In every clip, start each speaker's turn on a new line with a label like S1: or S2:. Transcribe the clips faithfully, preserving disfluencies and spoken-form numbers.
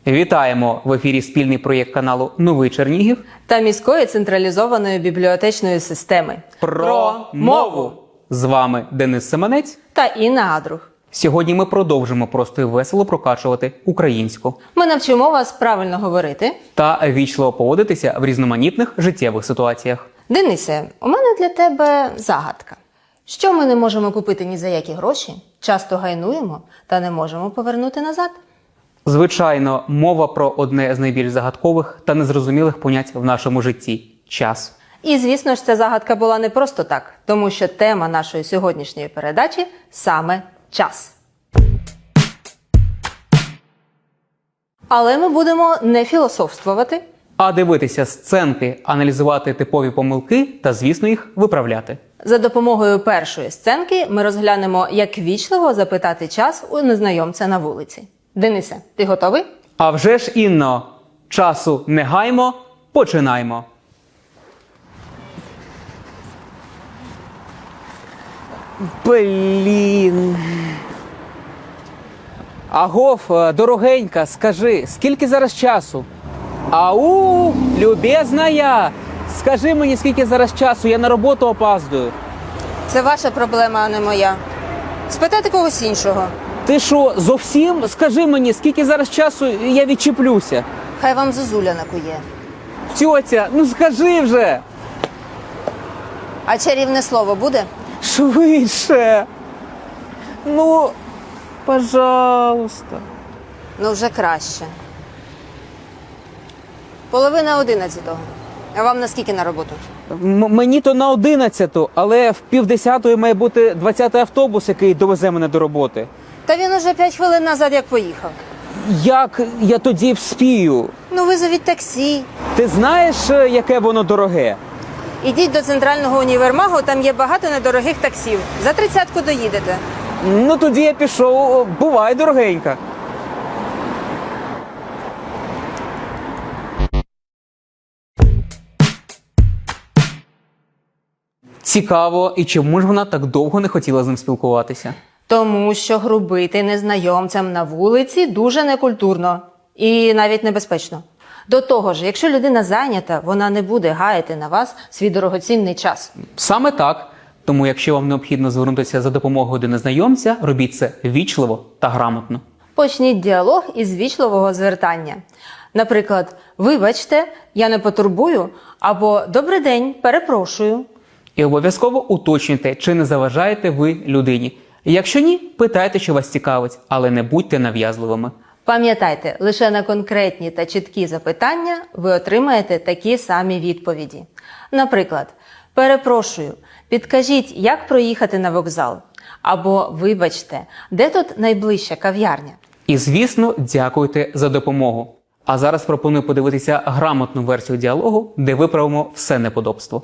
S1: Вітаємо! В ефірі спільний проєкт каналу «Новий Чернігів»
S2: та міської централізованої бібліотечної системи.
S1: Про мову! З вами Денис Семенець
S2: та Інна Адрух.
S1: Сьогодні ми продовжимо просто і весело прокачувати українську.
S2: Ми навчимо вас правильно говорити
S1: та ввічливо поводитися в різноманітних життєвих ситуаціях.
S2: Денисе, у мене для тебе загадка. Що ми не можемо купити ні за які гроші, часто гайнуємо та не можемо повернути назад?
S1: Звичайно, мова про одне з найбільш загадкових та незрозумілих понять в нашому житті – час.
S2: І, звісно ж, ця загадка була не просто так, тому що тема нашої сьогоднішньої передачі – саме час. Але ми будемо не філософствувати,
S1: а дивитися сценки, аналізувати типові помилки та, звісно, їх виправляти.
S2: За допомогою першої сценки ми розглянемо, як вічливо запитати час у незнайомця на вулиці. Денисе, ти готовий?
S1: А вже ж, Інно, часу не гаймо, починаймо.
S3: Блін. Агов, дорогенька, скажи, скільки зараз часу? Ау, любезная, скажи мені, скільки зараз часу, я на роботу опаздую.
S2: Це ваша проблема, а не моя. Спитайте когось іншого.
S3: Ти що, зовсім? Скажи мені, скільки зараз часу, я відчеплюся.
S2: Хай вам зозуля накує.
S3: Тьотя, ну скажи вже.
S2: А чарівне слово буде?
S3: Швидше. Ну, пожалуйста.
S2: Ну, вже краще. Половина одинадцятого. А вам наскільки на роботу?
S3: М- мені то на одинадцяту, але в півдесятої має бути двадцятий автобус, який довезе мене до роботи.
S2: Та він уже п'ять хвилин назад як поїхав.
S3: Як я тоді вспію?
S2: Ну, визовіть таксі.
S3: Ти знаєш, яке воно дороге?
S2: Ідіть до центрального універмагу, там є багато недорогих таксів. За тридцятку доїдете.
S3: Ну тоді я пішов. Бувай, дорогенька.
S1: Цікаво, і чому ж вона так довго не хотіла з ним спілкуватися?
S2: Тому що грубити незнайомцям на вулиці дуже некультурно і навіть небезпечно. До того ж, якщо людина зайнята, вона не буде гаяти на вас свій дорогоцінний час.
S1: Саме так. Тому якщо вам необхідно звернутися за допомогою до незнайомця, робіть це вічливо та грамотно.
S2: Почніть діалог із вічливого звертання. Наприклад, «Вибачте, я не потурбую» або «Добрий день, перепрошую».
S1: І обов'язково уточнюйте, чи не заважаєте ви людині. Якщо ні, питайте, що вас цікавить, але не будьте нав'язливими.
S2: Пам'ятайте, лише на конкретні та чіткі запитання ви отримаєте такі самі відповіді. Наприклад, «Перепрошую, підкажіть, як проїхати на вокзал?» або «Вибачте, де тут найближча кав'ярня?»
S1: І, звісно, дякуйте за допомогу. А зараз пропоную подивитися грамотну версію діалогу, де виправимо все неподобство.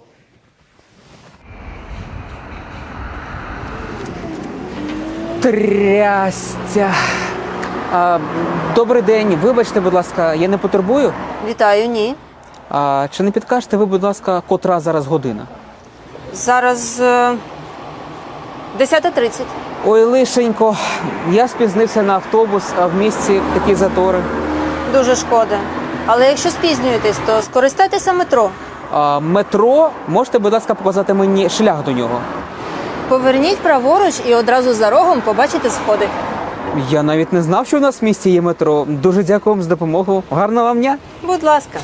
S3: Трястя. А, добрий день, вибачте, будь ласка, я не потурбую?
S2: Вітаю, ні.
S3: А, чи не підкажете ви, будь ласка, котра зараз година?
S2: Зараз е... десята тридцять.
S3: Ой, лишенько, я спізнився на автобус, а в місті такі затори.
S2: Дуже шкода. Але якщо спізнюєтесь, то скористайтеся метро.
S3: А, метро, можете, будь ласка, показати мені шлях до нього?
S2: Поверніть праворуч і одразу за рогом побачите сходи.
S3: Я навіть не знав, що у нас в місті є метро. Дуже дякую вам за допомогу. Гарного вам дня.
S2: Будь ласка.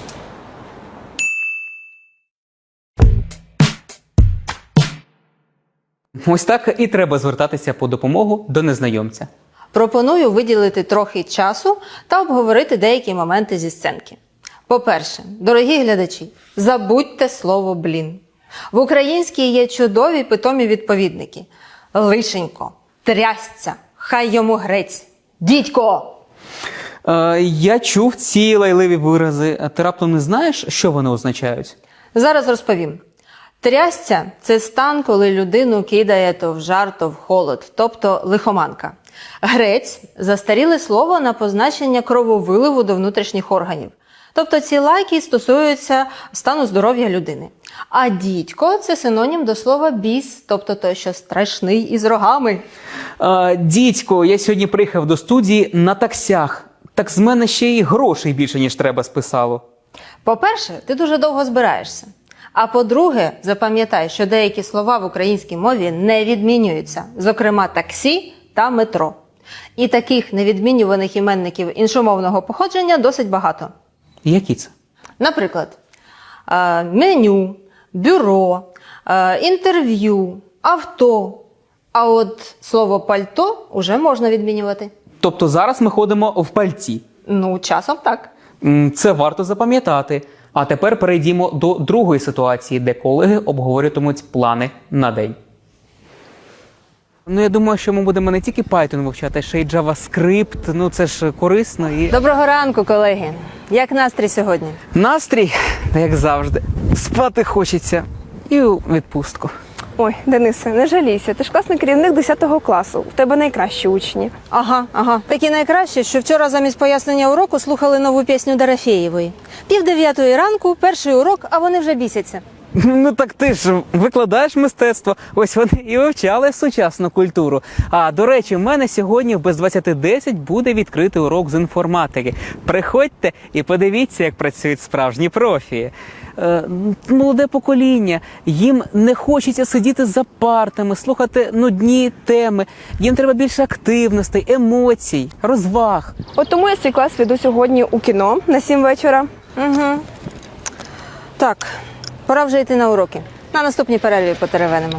S1: Ось так і треба звертатися по допомогу до незнайомця.
S2: Пропоную виділити трохи часу та обговорити деякі моменти зі сценки. По-перше, дорогі глядачі, забудьте слово «блін». В українській є чудові питомі відповідники. Лишенько, трясця, хай йому грець, дідько.
S3: Е, я чув ці лайливі вирази. А ти раптом не знаєш, що вони означають?
S2: Зараз розповім. Трясця – це стан, коли людину кидає то в жар, то в холод, тобто лихоманка. Грець – застаріле слово на позначення крововиливу до внутрішніх органів. Тобто ці лайки стосуються стану здоров'я людини. А дідько – це синонім до слова біс, тобто той, що страшний і з рогами.
S3: Е, дідько, я сьогодні приїхав до студії на таксях.
S1: так з мене ще й грошей більше, ніж треба списало.
S2: По-перше, ти дуже довго збираєшся. А по-друге, запам'ятай, що деякі слова в українській мові не відмінюються, зокрема таксі та метро. І таких невідмінюваних іменників іншомовного походження досить багато.
S1: Які це?
S2: Наприклад, е, меню, бюро, е, інтерв'ю, авто. А от слово пальто уже можна відмінювати.
S1: Тобто зараз ми ходимо в пальці.
S2: Ну, часом так.
S1: М, Це варто запам'ятати. А тепер перейдімо до другої ситуації, де колеги обговорюватимуть плани на день.
S3: Ну, я думаю, що ми будемо не тільки Python вивчати, а ще й JavaScript. Ну, це ж корисно і...
S2: Доброго ранку, колеги. Як настрій сьогодні?
S3: Настрій, як завжди, спати хочеться. І у відпустку.
S4: Ой, Денисе, не жалійся, ти ж класний керівник десятого класу, в тебе найкращі учні.
S2: Ага, ага. Такі найкраще, що вчора замість пояснення уроку слухали нову пісню Дорофєєвої. Пів дев'ятої ранку, перший урок, а вони вже бісяться.
S3: Ну так ти ж викладаєш мистецтво, ось вони і вивчали сучасну культуру. А, до речі, в мене сьогодні в без двадцяти десять буде відкритий урок з інформатики. Приходьте і подивіться, як працюють справжні профі. Е, молоде покоління, їм не хочеться сидіти за партами, слухати нудні теми. Їм треба більше активностей, емоцій, розваг.
S4: От тому я свій клас веду сьогодні у кіно на сім вечора.
S2: Угу. Так, пора вже йти на уроки. На наступній перерві потеревенимо.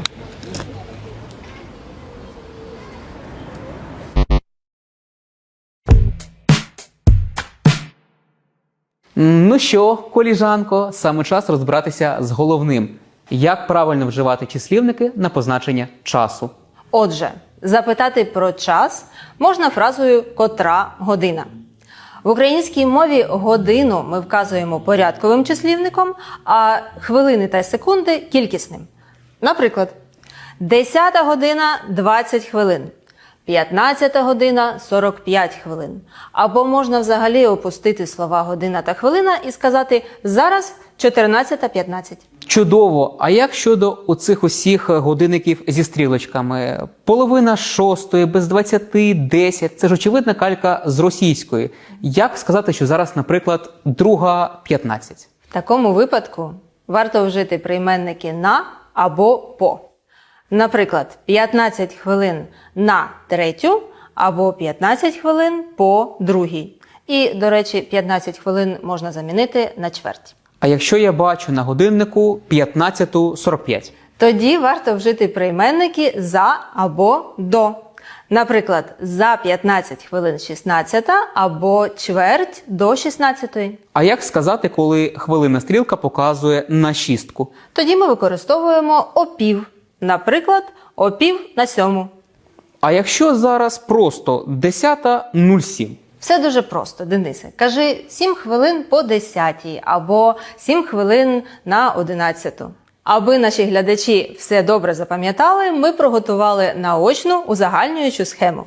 S1: Ну що, коліжанко, саме час розбиратися з головним. Як правильно вживати числівники на позначення часу?
S2: Отже, запитати про час можна фразою «котра година». В українській мові годину ми вказуємо порядковим числівником, а хвилини та секунди – кількісним. Наприклад, десята година – двадцять хвилин, п'ятнадцята година – сорок п'ять хвилин. Або можна взагалі опустити слова година та хвилина і сказати «зараз чотирнадцята п'ятнадцять».
S1: Чудово! А як щодо оцих усіх годинників зі стрілочками? Половина шостої, без двадцяти, десять. Це ж очевидна калька з російської. Як сказати, що зараз, наприклад, друга п'ятнадцять?
S2: В такому випадку варто вжити прийменники «на» або «по». Наприклад, п'ятнадцять хвилин на третю або п'ятнадцять хвилин по другій. І, до речі, п'ятнадцять хвилин можна замінити на чверть.
S1: А якщо я бачу на годиннику п'ятнадцята сорок п'ять?
S2: Тоді варто вжити прийменники «за» або «до». Наприклад, за п'ятнадцять хвилин шістнадцята або чверть до шістнадцятої.
S1: А як сказати, коли хвилинна стрілка показує на шістку?
S2: Тоді ми використовуємо «опів». Наприклад, «опів на сьому».
S1: А якщо зараз просто десята нуль сім?
S2: Все дуже просто, Денисе. Кажи сім хвилин по десятій або сім хвилин на одинадцяту. Аби наші глядачі все добре запам'ятали, ми приготували наочну узагальнюючу схему.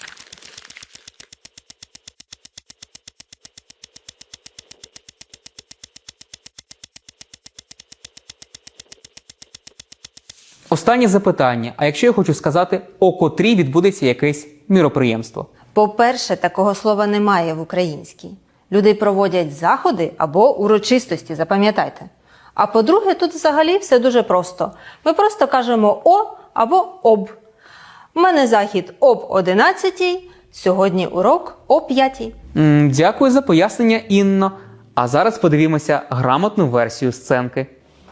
S1: Останнє запитання. А якщо я хочу сказати, о котрій відбудеться якесь міроприємство?
S2: По-перше, такого слова немає в українській. Люди проводять заходи або урочистості, запам'ятайте. А по-друге, тут взагалі все дуже просто. Ми просто кажемо «о» або «об». У мене захід об одинадцятій, сьогодні урок о п'ятій.
S1: М, Дякую за пояснення, Інно. А зараз подивімося грамотну версію сценки.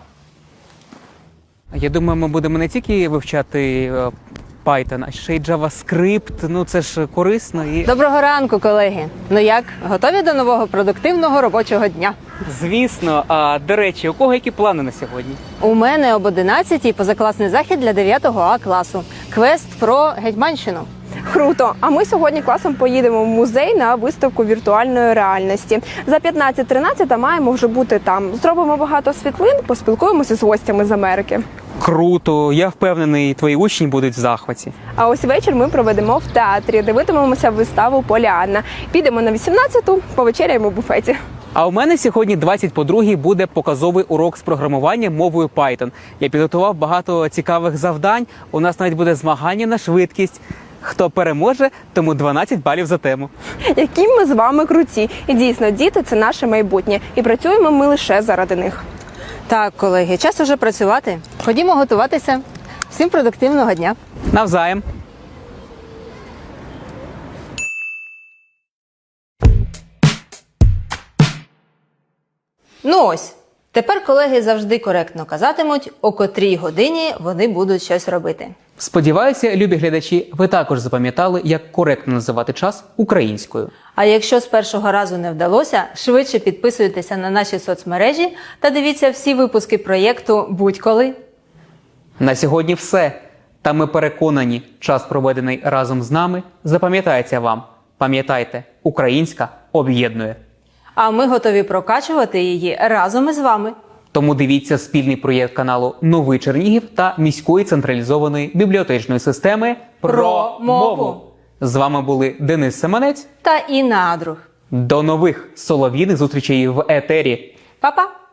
S3: Я думаю, ми будемо не тільки вивчати е, Python, а ще й JavaScript. Ну, це ж корисно і...
S2: Доброго ранку, колеги! Ну як, готові до нового продуктивного робочого дня?
S3: Звісно. А, до речі, у кого які плани на сьогодні?
S2: У мене об одинадцятій позакласний захід для дев'ятого А класу. Квест про Гетьманщину.
S4: Круто! А ми сьогодні класом поїдемо в музей на виставку віртуальної реальності. За п'ятнадцять тринадцять маємо вже бути там. Зробимо багато світлин, поспілкуємося з гостями з Америки.
S3: Круто, я впевнений, твої учні будуть в захваті.
S4: А ось вечір ми проведемо в театрі, дивитимемося виставу «Поліанна». Підемо на вісімнадцяту, повечеряємо в буфеті.
S3: А у мене сьогодні двадцять по другій буде показовий урок з програмування мовою Python. Я підготував багато цікавих завдань, у нас навіть буде змагання на швидкість. Хто переможе, тому дванадцять балів за тему.
S4: Які ми з вами круті. І дійсно, діти – це наше майбутнє. І працюємо ми лише заради них.
S2: Так, колеги, час уже працювати. Ходімо готуватися. Всім продуктивного дня.
S3: Навзаєм.
S2: Ну ось, тепер колеги завжди коректно казатимуть, о котрій годині вони будуть щось робити.
S1: Сподіваюся, любі глядачі, ви також запам'ятали, як коректно називати час українською.
S2: А якщо з першого разу не вдалося, швидше підписуйтеся на наші соцмережі та дивіться всі випуски проєкту «Будь-коли».
S1: На сьогодні все. Та ми переконані, час, проведений разом з нами, запам'ятається вам. Пам'ятайте, українська об'єднує.
S2: А ми готові прокачувати її разом із вами.
S1: Тому дивіться спільний проєкт каналу «Новий Чернігів» та міської централізованої бібліотечної системи
S2: Про мову.
S1: З вами були Денис Семенець.
S2: Та Інна Адрух.
S1: До нових солов'їних зустрічей в етері.
S2: Па-па!